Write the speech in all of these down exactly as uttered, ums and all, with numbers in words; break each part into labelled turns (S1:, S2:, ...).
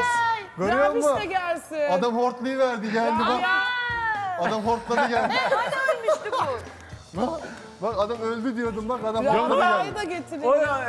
S1: Bas. Görüyor
S2: Rabiş
S1: musun?
S2: de gelsin.
S1: Adam hortlayı verdi geldi bak.
S2: Ya.
S1: Adam hortladı geldi.
S3: Hani ölmüştü bu?
S1: Bak, bak adam öldü diyordum bak adam hortladı
S2: Rabia'yı
S1: geldi.
S2: da getirin.
S4: O ya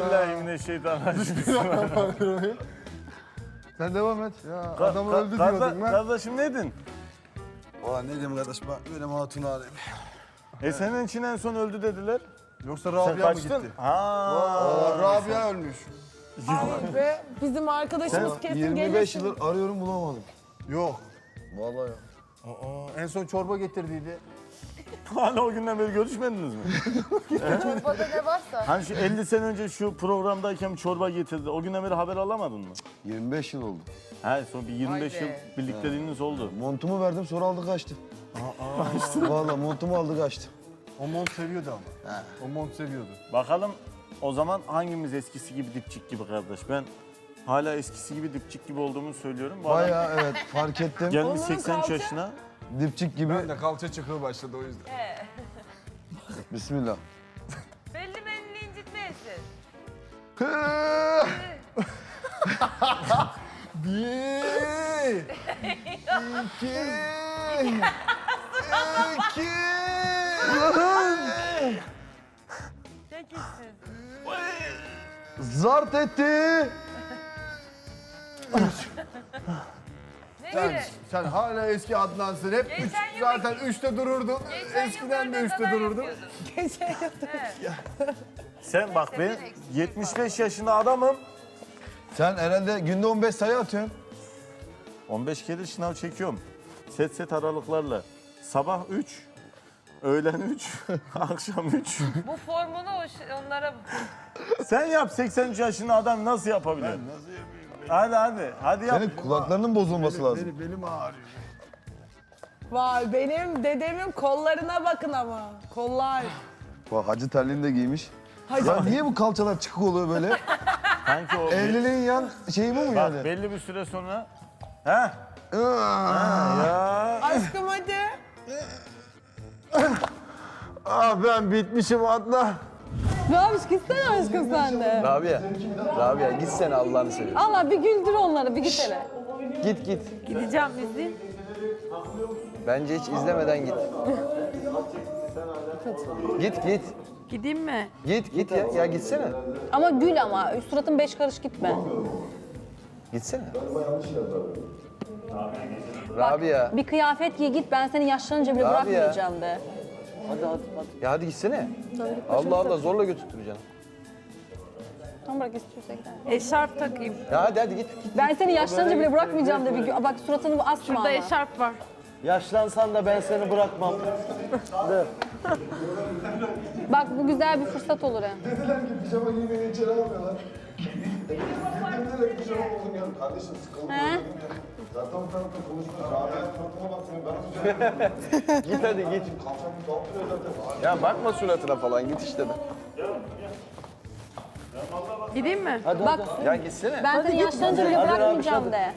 S4: euzubillahimineşşeytanirracim.
S1: Sen devam et. Ya
S4: Ka-
S1: adam
S4: ka-
S1: öldü
S4: karda-
S1: diyordum ben.
S4: Kardeşim neydin?
S5: Valla ne diyeyim kardeş ben benim hatunu arayayım.
S4: E senin için en son öldü dediler.
S1: Yoksa
S4: Sen
S1: Rabia mı
S4: kaçtın?
S1: gitti?
S4: Ha.
S5: Aa, Rabia ölmüş.
S2: Ay be, bizim arkadaşımız kesin
S5: yirmi
S2: gelir.
S5: beş yıldır arıyorum bulamadım.
S1: Yok.
S5: Vallahi ya.
S1: Aa, en son çorba getirdiydi.
S4: Hala o günden beri görüşmediniz mi?
S3: Çorbada ne varsa.
S4: Hani şu elli sene önce şu programdayken çorba getirdi. O günden beri haber alamadın mı?
S5: yirmi beş yıl oldu.
S4: He son bir yirmi beş
S3: Vay
S4: yıl
S3: be.
S4: birlikteliğiniz oldu.
S5: Montumu verdim sonra aldı kaçtı. Vallahi montumu aldı kaçtı.
S1: O mont seviyordu ama. O mont seviyordu.
S4: Bakalım o zaman hangimiz eskisi gibi dipçik gibi kardeş? Ben hala eskisi gibi dipçik gibi olduğumu söylüyorum. Bu adam
S5: Bayağı evet fark ettim.
S4: gelmiş
S2: Onların
S4: seksen üç
S2: kalça-
S4: yaşına.
S5: Dipçik gibi.
S1: Ben de kalça çıkığı başladı o yüzden.
S5: Bismillah.
S3: Belli belli incitmeyesin.
S1: Bir, iki, iki.
S3: Çekilsin.
S5: Zart etti.
S3: Ne
S1: Sen,
S3: öyle?
S1: sen hala eski Adnansın. Hep üç,
S3: Geçen yıl-
S1: zaten üçte dururdun.
S3: Geçen
S1: Eskiden
S3: yıl
S1: de
S3: böyle
S1: üçte
S3: kadar
S1: dururdun.
S3: yapıyordun.
S2: Geçen yıl-
S3: Evet.
S4: Sen bak ben
S3: eksik
S4: yetmiş beş yaşında adamım.
S5: Sen herhalde günde on beş sayı atıyorsun.
S4: on beş kere şınav çekiyorum. Set set aralıklarla. Sabah üç, öğlen üç, akşam üç.
S3: Bu formunu o ş- onlara...
S4: Sen yap seksen üç yaşında adam nasıl yapabilir?
S1: Nasıl yapayım?
S4: Hadi hadi. Hadi yap.
S5: Senin kulaklarının bozulması lazım.
S1: Benim, belim ağrıyor.
S2: Vay benim dedemin kollarına bakın ama. Kollar.
S5: Bak hacı terliğini de giymiş.
S2: Hacı-
S5: Ya niye bu kalçalar çıkık oluyor böyle?
S4: Sanki o
S5: Evliliğin yan şeyi bu mu
S4: bak
S5: yani?
S4: belli bir süre sonra Heh.
S5: Aa,
S4: Ya.
S2: Aşkım hadi.
S5: ah ben bitmişim Adnan.
S6: Rabiş gitsene aşkım sen de.
S7: Rabia, Rabia gitsene Allah'ını seversen.
S6: Allah bir güldür onları bir git hele.
S7: Git git.
S3: Gideceğim izleyeyim.
S7: Bence hiç izlemeden git. Git git.
S3: Gideyim mi?
S7: Git git ya, ya gitsene.
S6: Ama gül ama suratın beş karış gitme.
S7: Gitsene. Rabia.
S6: Bir kıyafet giy git ben seni yaşlanınca bile
S7: Rabia.
S6: bırakmayacağım de.
S7: Hadi hadi hadi. Ya hadi gitsene. Allah Allah zorla götürtüreceksin.
S6: Tamam bırak istiyorsa gider.
S3: Eşarp takayım.
S7: Ya hadi hadi git.
S6: Ben seni yaşlanınca bile bırakmayacağım de bir gü- bak suratını bu asma
S3: Burada
S6: ama.
S3: eşarp var.
S7: Yaşlansan da ben seni bırakmam. De.
S6: Bak bu güzel bir fırsat olur hem.
S5: Dediler ki pijama giymeni içeri almıyorlar. Dediler ki pijama buldum ya. Kardeşim sıkıldım.
S6: He?
S5: Zaten o tarafta konuşmuyoruz. Rabia'nın suratına bakmıyor. Ben
S7: Git hadi git.
S5: kalçamı dağıtıyor zaten.
S7: Ya bakma suratına falan git işte de.
S3: Gideyim mi?
S7: Hadi
S6: Bak
S7: hadi. Ya gitsene.
S6: ben seni yaşlanınca bile
S7: Hadi Rabiş,
S6: bırakmayacağım
S7: hadi.
S6: de.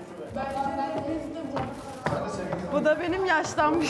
S3: Bu da benim yaşlanmış.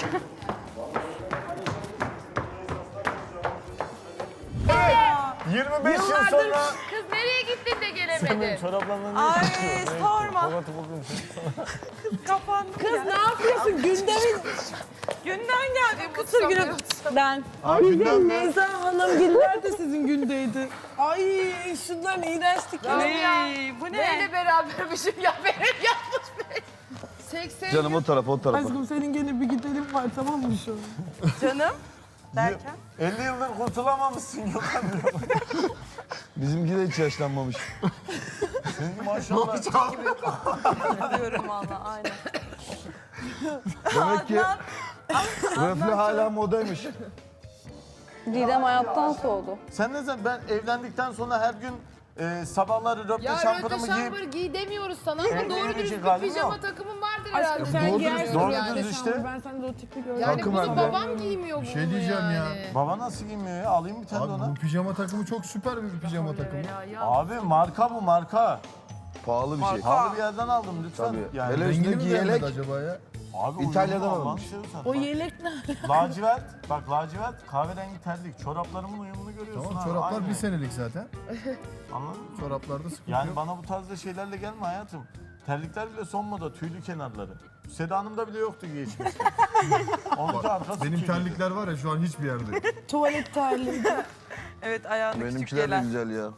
S4: yirmi beş yıl sonra
S3: Kız nereye gittin de
S4: benim
S3: gelemedin?
S4: çoraplarımla ne
S2: Ay
S4: çıkıyor?
S2: sorma.
S4: Polat'ı buldum.
S2: Kız ne yapıyorsun? Gündemin
S3: Günden geldi bu
S2: kısır günü. Ben. Bizim Neyza Hanım günler de sizin gündeydi. Ay şunların iğrençlikleri.
S3: Bu ne? Neyle berabermişim ya benim yapmış be. seksen
S5: Canım o tarafa o tarafa.
S2: Aşkım senin gene bir gidelim var tamam mı şu an?
S3: canım. Derken?
S4: elli yıldır kurtulamamışsın Gökhan.
S5: Bizimki de hiç yaşlanmamış.
S4: Senin maşallah.
S3: Diyorum valla aynen.
S5: Demek ki röfle hala modaymış.
S6: Didem hayattan soğudu.
S4: Sen ne zaman ben evlendikten sonra her gün e, sabahları röpte
S8: Ya
S4: şampuanımı
S8: röte
S4: giyip
S8: şambır giy demiyoruz sana ama
S4: Evlenecek
S8: doğru dürüst bir
S4: halim
S8: pijama
S4: yok.
S8: takımın vardır
S2: Aşkım
S8: herhalde.
S2: sen
S1: Doğru
S2: giyersin
S1: dürüst,
S4: doğru
S2: yani.
S4: dürüst işte.
S2: Ben sende o tipi gördüm.
S8: Yani
S1: Takım
S8: bunu
S1: hem de.
S8: babam giymiyor bunu
S1: Bir şey diyeceğim ya.
S4: baba nasıl giymiyor ya? Alayım bir tane de
S1: Abi
S4: ona.
S1: bu pijama takımı çok süper bir pijama takımı.
S4: Abi marka bu marka.
S5: Pahalı bir şey.
S4: Pahalı bir yerden aldım lütfen.
S5: Tabii.
S4: Yani
S5: Hele
S1: Rengini mi
S5: üstündeki
S1: beğenmedi
S5: yelek.
S1: acaba ya?
S4: Abi
S5: İtalya'dan
S4: uyumlu Alman
S5: alınmış.
S4: şey zaten.
S2: O yelek ne?
S4: Lacivert, bak lacivert kahverengi terlik. Çoraplarımın uyumunu görüyorsun
S1: Tamam
S4: abi.
S1: çoraplar
S4: aynı.
S1: bir senelik zaten.
S4: Anladın mı?
S1: Çoraplarda sıkıntı
S4: Yani
S1: yok.
S4: bana bu tarzda şeylerle gelme hayatım. Terlikler bile son moda, tüylü kenarları. Seda Hanım'da bile yoktu geçmişte. Onunki arkası
S1: Benim
S4: tüylü.
S1: terlikler var ya şu an hiçbir yerde.
S2: Tuvalet terliği.
S3: Evet ayağında küçük
S7: Benimkiler de
S3: gelen.
S7: güzel ya.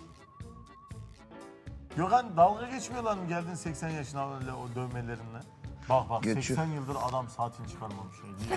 S4: Gökhan dalga geçmiyorlar mı geldin seksen yaşına öyle o dövmelerinle? Bak bak
S7: Geçiyor.
S4: seksen yıldır adam saatini çıkarmamış. Şey.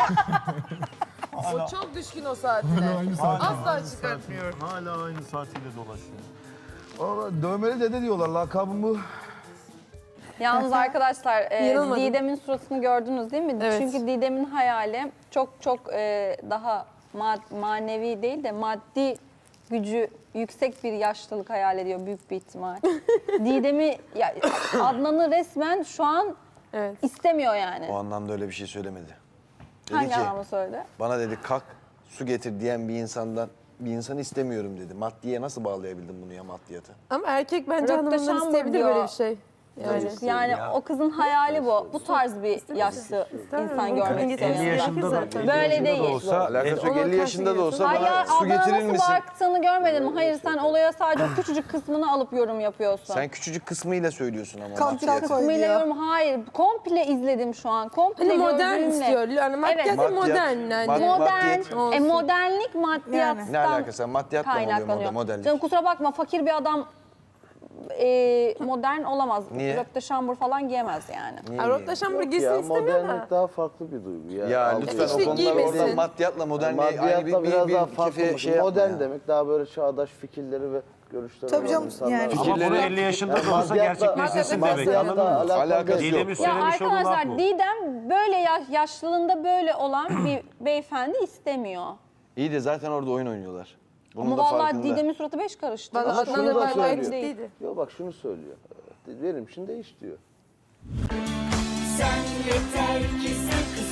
S3: O çok düşkün o saatine.
S1: Aynı saat.
S3: Asla çıkartmıyor.
S4: Hala aynı saatiyle dolaşıyor.
S7: Valla dövmeli dede diyorlar, lakabım bu.
S6: Yalnız arkadaşlar e,
S2: Yanılmadım.
S6: Didem'in suratını gördünüz değil mi?
S2: Evet.
S6: Çünkü Didem'in hayali çok çok e, daha ma- manevi değil de maddi gücü yüksek bir yaşlılık hayal ediyor büyük bir ihtimal. Didem'i, ya, Adnan'ı resmen şu an
S2: Evet.
S6: istemiyor yani.
S7: O anlamda öyle bir şey söylemedi. Dedi
S6: Hangi
S7: ki,
S6: anlamda söyledi?
S7: bana dedi kalk su getir diyen bir insandan bir insanı istemiyorum dedi. Maddiye nasıl bağlayabildin bunu ya maddiyata?
S2: Ama erkek bence
S6: Röpte
S2: hanımından
S6: şambur
S2: isteyebilir
S6: diyor.
S2: böyle bir şey. Yani.
S6: Yani
S7: Ya.
S6: o kızın hayali bu. Bu tarz bir yaşlı insan görmek istiyor.
S2: elli yaşında
S6: zaten. Böyle değil.
S7: Alakası yok.
S2: Onun
S7: elli yaşında da olsa
S6: Hayır,
S7: bana su
S6: Adnan'a
S7: getirir
S6: nasıl
S7: misin?
S6: baktığını görmedin mi? Hayır, sen olaya sadece o küçücük kısmını alıp yorum yapıyorsun.
S7: Sen küçücük kısmıyla söylüyorsun ama
S2: Kalçak
S7: maddiyatı.
S2: koy.
S6: Kısmıyla
S2: diyor.
S6: yorum, hayır. Komple izledim şu an. Komple
S2: Hani modern
S6: gördüğümle.
S2: istiyor. Yani maddiyat
S6: Evet.
S2: da modern bence.
S7: Mad-
S6: Modern.
S7: Maddiyat.
S6: E,
S2: Olsun.
S6: modernlik maddiyattan
S7: Ne alakası var? Maddiyatla mı oluyor
S6: kaynaklanıyor.
S7: moda- modellik?
S6: Canım kusura bakma, fakir bir adam e, modern olamaz.
S7: Niye?
S6: Röpte şambur falan giyemez yani.
S7: Niye
S2: Ay, Rotla şambur giysin
S8: Ya
S2: istemiyor
S8: modernlik
S2: da.
S8: daha farklı bir duygu ya.
S7: Ya
S8: Allah
S7: lütfen
S2: İşte
S7: o konular
S2: giymesin.
S7: orada maddiyatla modernliğe ayrı
S8: Maddiyatla
S7: bir, bir,
S8: biraz
S7: bir,
S8: daha
S7: bir
S8: farklı.
S7: kefe şey yapma
S8: Modern
S7: ya.
S8: demek daha böyle çağdaş fikirleri ve görüşleri
S9: Tabii
S8: olan
S9: canım,
S8: insanlar.
S9: yani.
S8: var.
S9: Ama
S4: Ama bunu
S7: Fikirleri-
S4: elli yaşında
S8: Yani
S4: da olsa
S8: maddiyatla-
S4: gerçekleştirsin demek,
S8: maddiyatla
S4: anladın mı?
S8: alakalı
S7: Alakası
S8: değil.
S7: yok.
S4: Didem'in
S6: Ya
S4: söylemiş olduğu laf
S6: arkadaşlar,
S4: bu.
S6: Didem böyle yaş, yaşlılığında böyle olan bir beyefendi istemiyor.
S7: İyi de zaten orada oyun oynuyorlar. Bunun
S6: Ama
S7: da
S6: vallahi
S7: farkında.
S6: Didem'in suratı beş karıştı.
S2: Vallahi
S8: Ama
S2: Adnan
S8: şunu
S2: da
S8: da
S2: bayağı
S8: söylüyor.
S2: eksik değildi.
S8: Yok bak şunu söylüyor. Benim için değiş diyor.
S10: Sen yeter ki sen kız